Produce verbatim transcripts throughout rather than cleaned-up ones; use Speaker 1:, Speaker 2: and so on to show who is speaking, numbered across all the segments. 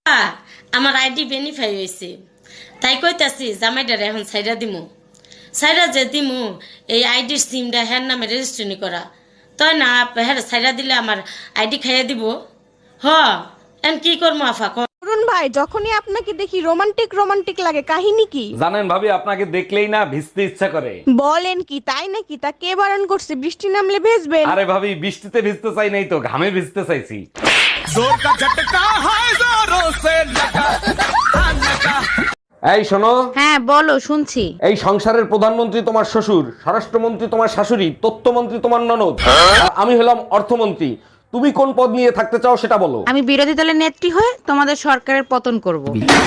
Speaker 1: আ, আমার ID verify হয়েছে, তাই কইতাছি জামাইডারে এখন সাইডা দিমু। সাইডা যে দিমু এই আইডির সিমটা হ্যার নামে রেজিস্ট্রেশন করা, তাই না হ্যাঁ সাইডা দিলে আমার আইডি খাইয়া দিব। হ এন কি করবো আফা ক।
Speaker 2: অরুণ ভাই, যখনই আপনাকে দেখি রোমান্টিক রোমান্টিক লাগে, কাহিনী কি?
Speaker 3: জানেন ভাবি, আপনাকে দেখলেই না ভিজতে ইচ্ছা করে।
Speaker 2: বলেন কি, তাই নাকি? তা কে বারণ করছে বৃষ্টি নামলে ভেজবেন?
Speaker 3: আরে ভাবি, বৃষ্টিতে ভিজতে চাই নাই তো, ঘামে ভিজতে চাইছি। এই শোনো,
Speaker 4: হ্যাঁ বলো, শুনছি।
Speaker 3: এই সংসারের প্রধানমন্ত্রী তোমার শ্বশুর, স্বরাষ্ট্রমন্ত্রী তোমার শাশুড়ি, তথ্যমন্ত্রী তোমার ননদ, আর আমি হলাম অর্থমন্ত্রী। তুমি কোন পদ নিয়ে থাকতে চাও সেটা বলো।
Speaker 4: আমি বিরোধী দলের নেত্রী হয়ে তোমাদের সরকারের পতন করব।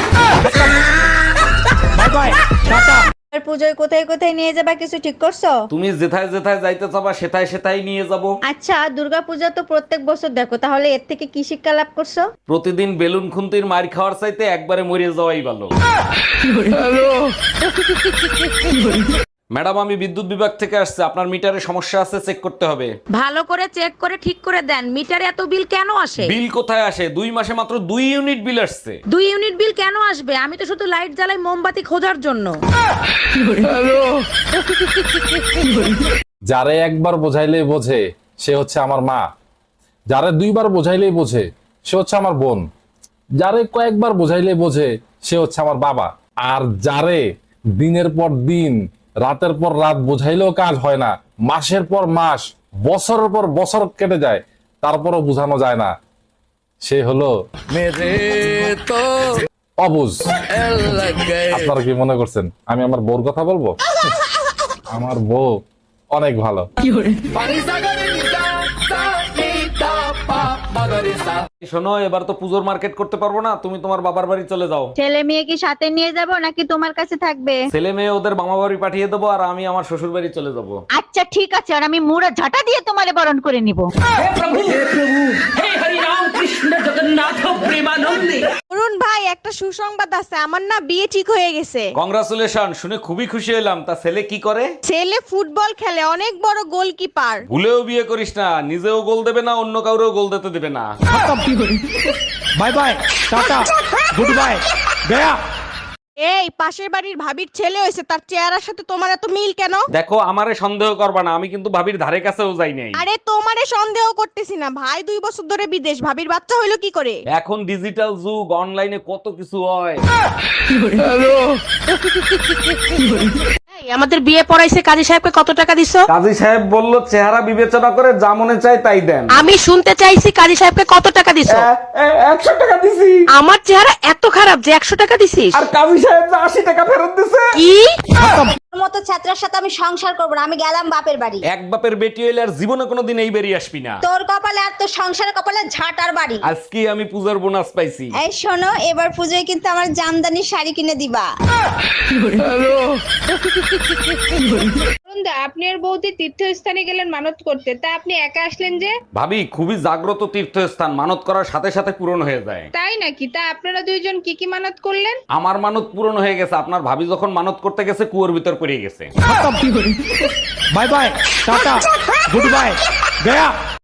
Speaker 5: পুজোয় কোথায় কোথায় নিয়ে যাবা কিছু ঠিক করছো?
Speaker 3: তুমি যেথায় যেথায় যাইতে চাবা সেথায় সেথায় নিয়ে যাব।
Speaker 5: আচ্ছা, দুর্গাপূজা তো প্রত্যেক বছর দেখো, তাহলে এর থেকে কি শিক্ষা লাভ করছো?
Speaker 3: প্রতিদিন বেলুন খুন্তির মার খাওয়ার চাইতে একবারে মরে যাওয়াই ভালো। ম্যাডাম, আমি বিদ্যুৎ বিভাগ থেকে আসছে, আপনার মিটারে সমস্যা আছে, চেক করতে হবে।
Speaker 4: ভালো করে চেক করে ঠিক করে দেন। মিটারে এত বিল কেন আসে?
Speaker 3: বিল কোথায় আসে? দুই মাসে মাত্র দুই ইউনিট বিল আসছে।
Speaker 4: দুই ইউনিট বিল কেন আসবে? আমি তো শুধু লাইট জ্বালাই মোমবাতি খোঁজার জন্য।
Speaker 6: যারে একবার বোঝাইলে বোঝে সে হচ্ছে আমার মা, যারে দুইবার বোঝাইলেই বোঝে সে হচ্ছে আমার বোন, যারে কয়েকবার বোঝাইলে বোঝে সে হচ্ছে আমার বাবা, আর যারে দিনের পর দিন রাতের পর রাত বোঝাইলেও কাজ হয় না, মাসের পর মাস বছরের পর বছর কেটে যায় তারপরও বোঝানো যায় না, সে হলো অবুঝ। আপনারা কি মনে করছেন আমি আমার বউর কথা বলবো? আমার বউ অনেক ভালো।
Speaker 3: শোনো, এবার তো পুজোর মার্কেট করতে পারবো না, তুমি তোমার বাবার বাড়ি চলে যাও।
Speaker 5: ছেলে মেয়ে কি সাথে নিয়ে যাব নাকি তোমার কাছে থাকবে?
Speaker 3: ছেলে মেয়ে ওদের মামা বাড়ি পাঠিয়ে দেবো, আর আমি আমার শ্বশুর বাড়ি চলে যাবো।
Speaker 5: আচ্ছা ঠিক আছে, আর আমি মুড়া ঝাঁটা দিয়ে তোমারে বরণ করে নিব।
Speaker 2: অরুণ ভাই, একটা সুসংবাদ আছে, আমার না বিয়ে ঠিক হয়ে গেছে।
Speaker 3: কংগ্রাচুলেশন, শুনে খুবই খুশি হলাম। তা ছেলে কি করে?
Speaker 2: ছেলে ফুটবল খেলে, অনেক বড় গোলকিপার।
Speaker 3: ভুলেও বিয়ে করিস না, নিজেও গোল দেবে না, অন্য কাউরেও গোল দিতে দেবে না।
Speaker 7: Bye bye, tata, goodbye, গয়া।
Speaker 2: এই পাশের বাড়ির ভাবির ছেলে হয়েছে, তার চেহারার সাথে তোমার এত মিল কেন?
Speaker 3: দেখো, আমারে সন্দেহ করবা না, আমি কিন্তু ভাবির ধারে কাছেও যাই নাই।
Speaker 2: আরে তোমারে সন্দেহ করতেছি না, ভাই দুই বছর ধরে বিদেশ, ভাবির বাচ্চা হইলো কি করে?
Speaker 3: এখন ডিজিটাল যুগ, অনলাইনে কত কিছু হয়।
Speaker 4: আমাদের বিয়ে পড়াইছে, কাজী সাহেবকে কত টাকা দিছো?
Speaker 3: কাজী সাহেব বলল চেহারা বিবেচনা করে যা মনে চায় তাই দেন।
Speaker 4: আমি শুনতে চাইছি কাজী সাহেবকে কত টাকা দিছো?
Speaker 3: একশো টাকা দিছি।
Speaker 4: আমার চেহারা এত খারাপ যে একশো টাকা দিছিস?
Speaker 3: আর কাজী সাহেব যে আশি টাকা ফেরত দিছে।
Speaker 4: কি?
Speaker 5: তোর মতো ছাত্রের সাথে আমি সংসার করব না, আমি গেলাম বাপের বাড়ি।
Speaker 3: এক বাপের বেটি হইলে আর জীবনে কোনোদিন এই বেরিয়ে আসবি না।
Speaker 5: তোর কপালে আর তোর সংসারের কপালে ঝাঁটার বাড়ি।
Speaker 3: আজকে আমি পূজার বোনাস পাইছি।
Speaker 5: এই শোনো, এবার পুজোয় কিন্তু আমার জামদানি শাড়ি কিনে দিবা।
Speaker 8: আপনি আর বৌদি তীর্থস্থানে গেলেন মানত করতে, তা আপনি একা আসলেন যে?
Speaker 3: ভাবি, খুবই জাগ্রত তীর্থস্থান, মানত করার সাথে সাথে পূরণ হয়ে যায়।
Speaker 8: তাই নাকি? তা আপনারা দুইজন কি কি মানত করলেন?
Speaker 3: আমার মানত পূরণ হয়ে গেছে, আপনার ভাবি যখন মানত করতে গেছে কুয়োর ভিতর পড়ে গেছে।
Speaker 7: Bye bye, tata, goodbye, Gaya.